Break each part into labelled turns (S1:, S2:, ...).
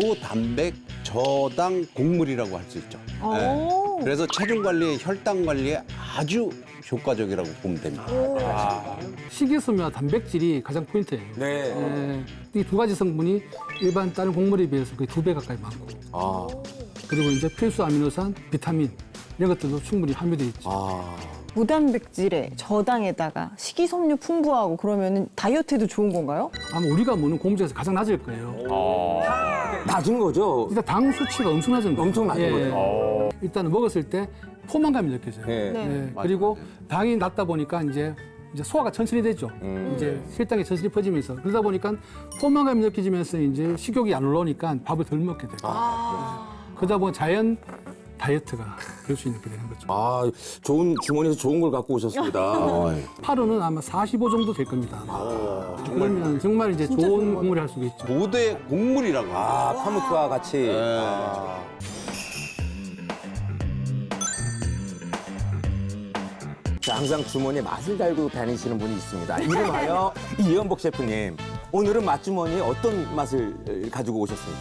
S1: 고단백 저당 곡물이라고 할 수 있죠. 네. 그래서 체중 관리에 혈당 관리에 아주 효과적이라고 보면 됩니다.
S2: 식이섬유와 단백질이 가장 포인트예요.
S3: 네.
S2: 이 두 가지 성분이 일반 다른 곡물에 비해서 거의 2배 가까이 많고,
S3: 아.
S2: 그리고 이제 필수 아미노산, 비타민 이런 것들도 충분히 함유되어 있죠.
S3: 아.
S4: 무단백질에 저당에다가 식이섬유 풍부하고 그러면 다이어트에도 좋은 건가요?
S2: 아마 우리가 먹는 곡물 중에서 가장 낮을 거예요.
S3: 낮은 거죠?
S2: 일단 당 수치가 엄청 낮은 거예요.
S3: 엄청 낮은 거죠.
S2: 일단 먹었을 때 포만감이 느껴져요.
S3: 네.
S2: 네. 그리고 당이 낮다 보니까 이제 소화가 천천히 되죠. 이제 혈당이 천천히 퍼지면서 그러다 보니까 포만감이 느껴지면서 이제 식욕이 안 올라오니까 밥을 덜 먹게 되고 그러다 보니 자연 다이어트가 될 수 있게 되는 거죠.
S3: 아, 좋은 주머니에서 좋은 걸 갖고 오셨습니다.
S2: 파로는 아마 45 정도 될 겁니다. 그러면 정말 이제 좋은 곡물이 할 수가 있죠.
S1: 고대 곡물이라고.
S3: 아, 파무트와 같이. 자, 항상 주머니에 맛을 달고 다니시는 분이 있습니다. 이름하여 이현복 셰프님. 오늘은 맛주머니에 어떤 맛을 가지고 오셨습니까?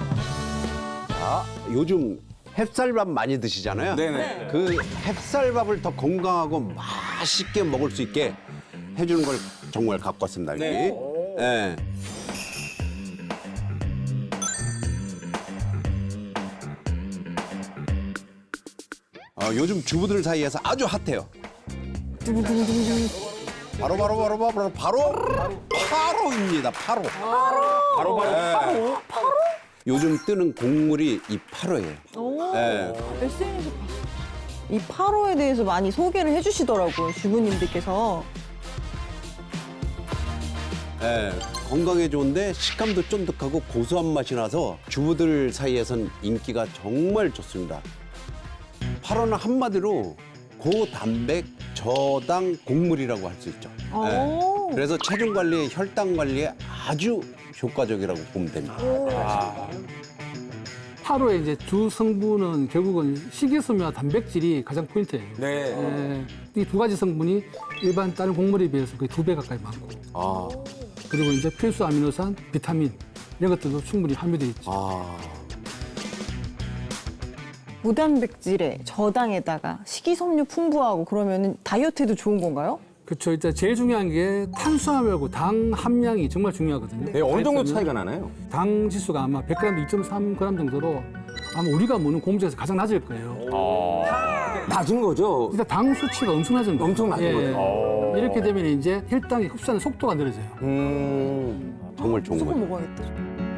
S1: 요즘 햅쌀밥 많이 드시잖아요.
S3: 네네.
S1: 그 햅쌀밥을 더 건강하고 맛있게 먹을 수 있게 해주는 걸 정말 갖고 왔습니다. 여기.
S3: 네.
S1: 네. 요즘 주부들 사이에서 아주 핫해요. 바로입니다. 바로. 요즘 뜨는 곡물이 이 파로예요. 네.
S4: SNS 이 파로에 대해서 많이 소개를 해주시더라고요, 주부님들께서.
S1: 네, 건강에 좋은데 식감도 쫀득하고 고소한 맛이 나서 주부들 사이에선 인기가 정말 좋습니다. 파로는 한마디로 고단백 저당 곡물이라고 할 수 있죠. 네, 그래서 체중 관리에 혈당 관리에 아주 효과적이라고 보면 됩니다.
S2: 파로의 이제 주 성분은 결국은 식이섬유와 단백질이 가장 포인트예요.
S3: 네.
S2: 이 두 가지 성분이 일반 다른 곡물에 비해서 거의 2배 가까이 많고,
S3: 아.
S2: 그리고 이제 필수 아미노산, 비타민 이런 것들도 충분히 함유되어 있죠.
S3: 아.
S4: 무단백질에 저당에다가 식이섬유 풍부하고 그러면 다이어트에도 좋은 건가요?
S2: 그렇죠. 일단 제일 중요한 게 탄수화물하고 당 함량이 정말 중요하거든요.
S3: 네, 어느 정도 차이가 나나요?
S2: 당 지수가 아마 100g 2.3g 정도로 아마 우리가 먹는 곡물 중에서 가장 낮을 거예요.
S3: 낮은 거죠?
S2: 일단 당 수치가 엄청 낮은 거예요.
S3: 엄청 낮은 거죠.
S2: 이렇게 되면 이제 혈당이 흡수하는 속도가 느려져요.
S1: 정말 좋은
S4: 무조건
S1: 거죠.
S4: 먹어야겠다.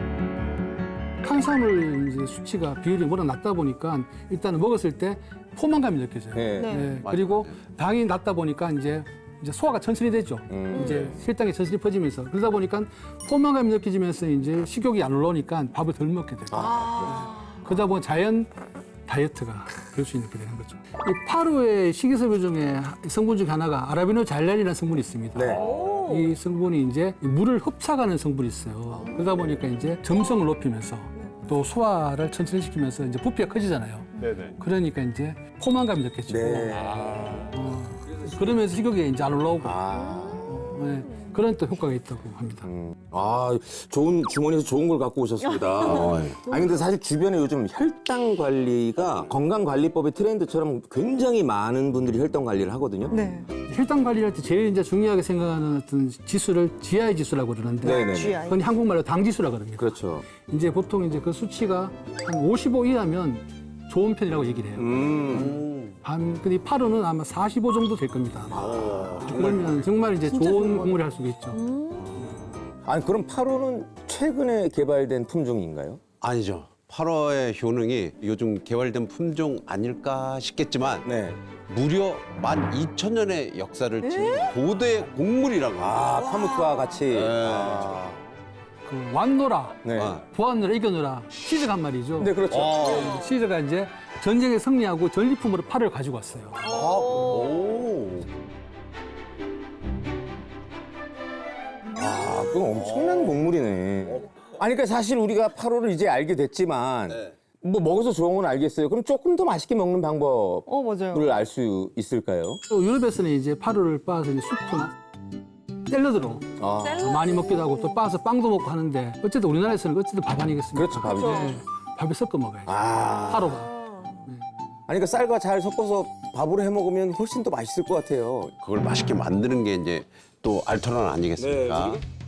S2: 탄수화물 이제 수치가 비율이 워낙 낮다 보니까 일단은 먹었을 때 포만감이 느껴져요.
S3: 네.
S2: 네. 그리고 당이 낮다 보니까 이제 소화가 천천히 되죠. 이제 혈당이 천천히 퍼지면서 그러다 보니까 포만감이 느껴지면서 이제 식욕이 안 올라오니까 밥을 덜 먹게 되고 그러다 보니 자연 다이어트가 될 수 있게 되는 거죠. 이 파루의 식이섬유 중에 성분 중에 하나가 아라비노잘란이라는 성분이 있습니다.
S3: 네.
S2: 이 성분이 이제 물을 흡착하는 성분이 있어요. 그러다 보니까 이제 점성을 높이면서 또 소화를 천천히 시키면서 이제 부피가 커지잖아요. 그러니까 이제 포만감이 느껴지고
S3: 네.
S2: 그러면서 식욕이 이제 안 올라오고
S3: 아.
S2: 네, 그런 또 효과가 있다고 합니다.
S3: 아, 좋은 주머니에서 좋은 걸 갖고 오셨습니다. 아니 근데 사실 주변에 요즘 혈당 관리가 건강관리법의 트렌드처럼 굉장히 많은 분들이 혈당 관리를 하거든요.
S4: 네.
S2: 혈당 관리를 할 때 제일 이제 중요하게 생각하는 어떤 지수를 GI 지수라고 그러는데
S3: 네네.
S4: GI.
S2: 그건 한국말로 당 지수라고 그럽니다.
S3: 그렇죠.
S2: 이제 보통 이제 그 수치가 한 55 이하면 좋은 편이라고 얘기를 해요. 근데 이 파로는 아마 45 정도 될 겁니다. 그러면 정말 이제 좋은 곡물이 할 수가 있죠.
S3: 아니 그럼 8호는 최근에 개발된 품종인가요?
S1: 아니죠. 8호의 효능이 요즘 개발된 품종 아닐까 싶겠지만
S3: 네.
S1: 무려 12,000년의 역사를 지닌 고대 곡물이라고
S3: 아,
S1: 합니다.
S3: 파무트와 같이.
S2: 그 완노라,
S3: 네.
S2: 부하노라, 이겨노라 시즈가 한 말이죠.
S3: 네, 그렇죠.
S2: 시즈가 이제 전쟁에 승리하고 전리품으로 팔을 가지고 왔어요.
S3: 아, 그건 엄청난 곡물이네. 아니, 그러니까 사실 우리가 8호를 이제 알게 됐지만, 뭐 먹어서 좋은 건 알겠어요. 그럼 조금 더 맛있게 먹는 방법을
S4: 맞아요.
S3: 알 수 있을까요?
S2: 또 유럽에서는 이제 파로를 빻아서 이제 수프나 샐러드로
S3: 아.
S2: 많이 먹기도 하고 또 빻아서 빵도 먹고 하는데 어쨌든 우리나라에서는 어쨌든 밥 아니겠습니까?
S3: 그렇죠, 밥이죠.
S2: 네, 밥에 섞어 먹어야죠.
S3: 아.
S2: 하루가.
S3: 아니 그러니까 쌀과 잘 섞어서 밥으로 해 먹으면 훨씬 더 맛있을 것 같아요.
S1: 그걸 맛있게 만드는 게 이제 또 알토란 아니겠습니까?
S3: 네,